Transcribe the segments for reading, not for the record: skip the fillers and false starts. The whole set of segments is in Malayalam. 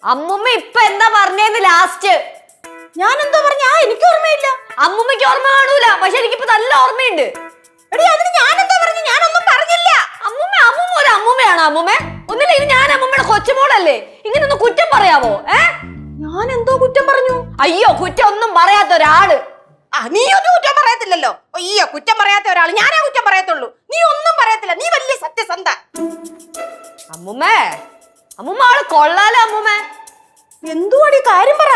അമ്മുമ്മ ഇപ്പൊ എന്താ പറഞ്ഞേന്ന് ലാസ്റ്റ്? ഞാൻ എന്തോ പറഞ്ഞ? എനിക്ക് ഓർമ്മയില്ല. അമ്മുമ്മക്ക് ഓർമ്മ കാണൂല, പക്ഷെ എനിക്കിപ്പോ നല്ല ഓർമ്മയുണ്ട്. എടി അതിന് ഞാൻ എന്തോ പറഞ്ഞു? ഞാനൊന്നും പറഞ്ഞില്ല. അമ്മുമ്മ ഒരു അമ്മുമ്മയാണോ? അമ്മുമ്മ ഒന്നില്ല, ഇത് ഞാൻ അമ്മുമ്മയുടെ കൊച്ചുമോളല്ലേ, ഇങ്ങനെ ഒന്ന് കുറ്റം പറയാവോ? ഞാൻ എന്തോ കുറ്റം പറഞ്ഞു? അയ്യോ, കുറ്റം ഒന്നും പറയാത്ത ഒരാള്. നീ ഒന്നും കുറ്റം പറയത്തില്ലല്ലോ. അയ്യോ, കുറ്റം പറയാത്ത ഒരാള് ഞാനാ കുറ്റം പറയത്തുള്ളൂ. നീ ഒന്നും പറയത്തില്ല. നീ വലിയ സത്യസന്ധ. അമ്മുമ്മ ആള് കൊള്ളാലോ. അമ്മുമ്മ എന്തുവാടി കാര്യം പറ.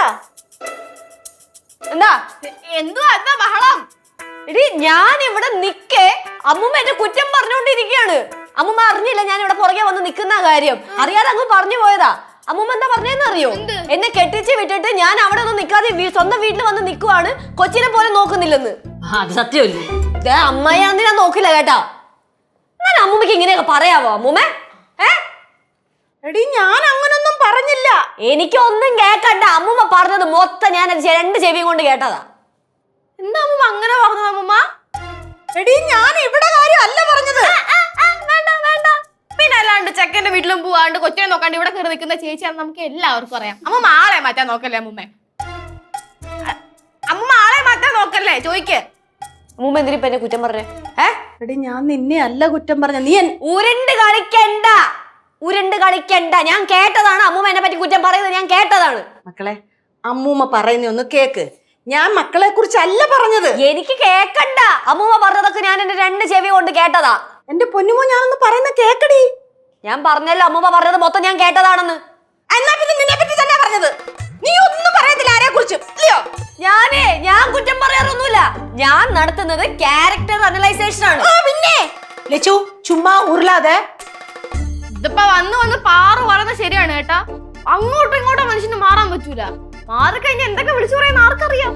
എന്താ ബഹളം? എടി ഞാൻ ഇവിടെ നിക്കേ അമ്മുമ്മ എന്റെ കുറ്റം പറഞ്ഞോണ്ടിരിക്കുകയാണ്. അമ്മുമ്മ അറിഞ്ഞില്ല ഞാൻ ഇവിടെ പുറകെ വന്ന് നിക്കുന്ന കാര്യം. അറിയാതെ അങ്ങ് പറഞ്ഞു പോയതാ. അമ്മുമ്മ എന്താ പറഞ്ഞതെന്ന് അറിയോ? എന്നെ കെട്ടിച്ച് വിട്ടിട്ട് ഞാൻ അവിടെ ഒന്നും നിക്കാതെ സ്വന്തം വീട്ടിൽ വന്ന് നിക്കുവാണ്, കൊച്ചിനെ പോലെ നോക്കുന്നില്ലെന്ന്. അത് സത്യമല്ലേ? അമ്മയാണെന്ന് ഞാൻ നോക്കില്ല കേട്ടാ. ഞാൻ അമ്മുമ്മക്ക് ഇങ്ങനെയൊക്കെ പറയാവോ അമ്മുമ്മ? എടി ഞാൻ അങ്ങനൊന്നും പറഞ്ഞില്ല. എനിക്കൊന്നും കേക്കണ്ട. അമ്മുമ്മ പറഞ്ഞത് മൊത്തം ഞാൻ രണ്ട് ചെവിയും കൊണ്ട് കേട്ടതാ. എന്താ അമ്മുമ്മ അങ്ങനെ പറഞ്ഞത്? അമ്മുമ്മ എടി ഞാൻ ഇവിടെ കാര്യം അല്ല പറഞ്ഞത്. വേണ്ട. പിന്നെ അല്ലാണ്ട് ചെക്കന്റെ വീട്ടിലും പോവാണ്ട് കൊച്ചിനെ നോക്കാണ്ട് ഇവിടെ കയറി നിൽക്കുന്ന ചേച്ചിയാണ് നമുക്ക് എല്ലാവർക്കും അറിയാം. അമ്മ ആളെ മാറ്റാൻ നോക്കല്ലേ അമ്മുമ്മ? അമ്മുമ്മ ആളെ മാറ്റാൻ നോക്കല്ലേ? ചോദിക്ക്. അമ്മുമ്മ എന്തിനിപ്പ എന്നെ കുറ്റം പറഞ്ഞേ? എടി ഞാൻ നിന്നെ അല്ല കുറ്റം പറഞ്ഞ. നീ ഉരുണ്ട് കളിക്കണ്ട. ഞാൻ കേട്ടതാണ് അമ്മുമ്മ എന്നെ പറ്റി കുറ്റം പറയുന്നത്. ഞാൻ കേട്ടതാണ്. മക്കളെ, അമ്മൂമ്മ പറയുന്ന ഒന്ന് കേക്ക്. ഞാൻ മക്കളെ കുറിച്ചല്ല പറഞ്ഞത്. എനിക്ക് കേക്കണ്ട. അമ്മുമ്മ പറഞ്ഞതൊക്കെ ഞാൻ എന്റെ രണ്ട് ചെവി കൊണ്ട് കേട്ടതാ. എന്റെ പൊന്നുമോ, ഞാനൊന്ന് പറയുന്ന കേക്കടി. ഞാൻ പറഞ്ഞല്ലോ അമ്മുമ്മ പറഞ്ഞത് മൊത്തം ഞാൻ കേട്ടതാണെന്ന്. എന്നാ പിന്നെ നിന്നെ പറ്റി തന്നെ പറഞ്ഞത്. നീ ഒന്നും പറയത്തില്ല ആരെ കുറിച്ചും, ഇല്ലയോ? ഞാൻ കുറ്റം പറയാറൊന്നുമില്ല. ഞാൻ നടത്തുന്നത് ക്യാരക്ടർ അനലൈസേഷൻ ആണ്. പിന്നെ ലച്ചു ചുമ്മാ ഉരുളാതെ. ഇതിപ്പോ വന്ന് പാറു പറയുന്നത് ശരിയാണ് കേട്ടാ. അങ്ങോട്ടും ഇങ്ങോട്ടും മനുഷ്യന് മാറാൻ പറ്റൂല. മാറിക്കഴിഞ്ഞാൽ എന്തൊക്കെ വിളിച്ചു പറയുന്ന ആർക്കറിയാം.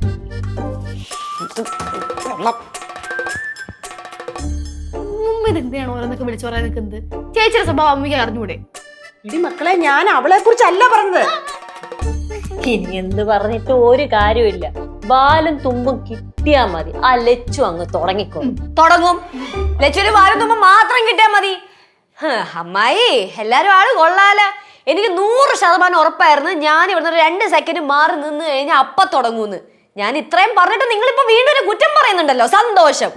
ഇതെന്തിനാണ് ഓരോന്നൊക്കെ വിളിച്ചു പറയാൻ നിൽക്കുന്നത്? ചേച്ചിയുടെ സ്വഭാവം അമ്മയ്ക്ക് അറിഞ്ഞൂടെ? ഇടി മക്കളെ, ഞാൻ അവളെ കുറിച്ചല്ല പറഞ്ഞത്. ഇനി എന്ത് പറഞ്ഞിട്ട് ഒരു കാര്യമില്ല. ബാലും തുമ്പും കിട്ടിയാ മതി. ആ ലച്ചു അങ്ങ് തുടങ്ങും. ലച്ചുവിന് ബാലും തുമ്പും മാത്രം കിട്ടിയാ മതി. അമ്മായി എല്ലാരും ആള് കൊള്ളാല. എനിക്ക് 100% ഉറപ്പായിരുന്നു ഞാൻ ഇവിടുന്ന് 2 സെക്കൻഡ് മാറി നിന്ന് കഴിഞ്ഞാൽ അപ്പ തുടങ്ങൂന്ന്. ഞാൻ ഇത്രയും പറഞ്ഞിട്ട് നിങ്ങളിപ്പോ വീണ്ടും ഒരു കുറ്റം പറയുന്നുണ്ടല്ലോ. സന്തോഷം.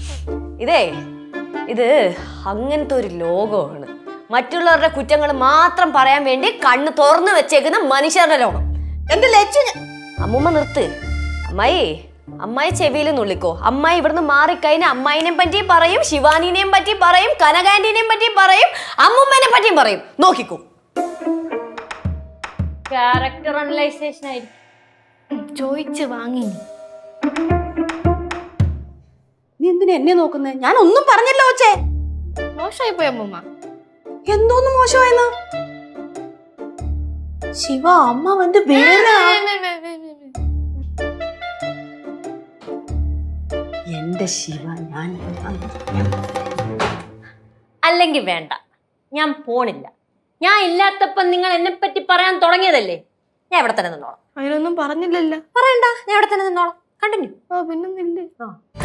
ഇത് അങ്ങനത്തെ ഒരു ലോകമാണ്. മറ്റുള്ളവരുടെ കുറ്റങ്ങൾ മാത്രം പറയാൻ വേണ്ടി കണ്ണ് തുറന്നു വെച്ചേക്കുന്ന മനുഷ്യരുടെ ലോകം. എന്റെ ലച്ചു, അമ്മൂമ്മ നിർത്ത്. അമ്മായി ചെവിയിൽ നുള്ളിക്കോ. അമ്മായി ഇവിടുന്ന് മാറിക്കഴിഞ്ഞാൽ അമ്മായിനെ പറ്റി പറയും, ശിവാനിനെയും പറ്റി പറയും, കനകാന്റിനെയും പറ്റി പറയും, അമ്മുമ്മനെ പറ്റിയും പറയും. നോക്കിക്കോ. ക്യാരക്ടർ അനലൈസേഷൻ ആയിരിക്കും. ചോദിച്ച് വാങ്ങി. നീ എന്തിനാ എന്നെ നോക്കുന്നേ? ഞാൻ ഒന്നും പറഞ്ഞല്ലോ. ഓച്ചേ മോശമായി പോയി അമ്മൂമ്മ. എന്തോന്ന് മോശമായെന്ന്? ശിവ, അമ്മ വന്ന് വേറെ എന്റെ ശിവ. ഞാൻ അല്ലെങ്കിൽ വേണ്ട, ഞാൻ പോണില്ല. ഞാൻ ഇല്ലാത്തപ്പോ നിങ്ങൾ എന്നെ പറ്റി പറയാൻ തുടങ്ങിയതല്ലേ. ഞാൻ ഇവിടെ തന്നെ നിന്നോളാം. അതിനൊന്നും പറഞ്ഞില്ലല്ലോ. പറയണ്ട, ഞാൻ ഇവിടെ തന്നെ നിന്നോളാം. കണ്ടിന്യൂ. പിന്നൊന്നില്ലേ.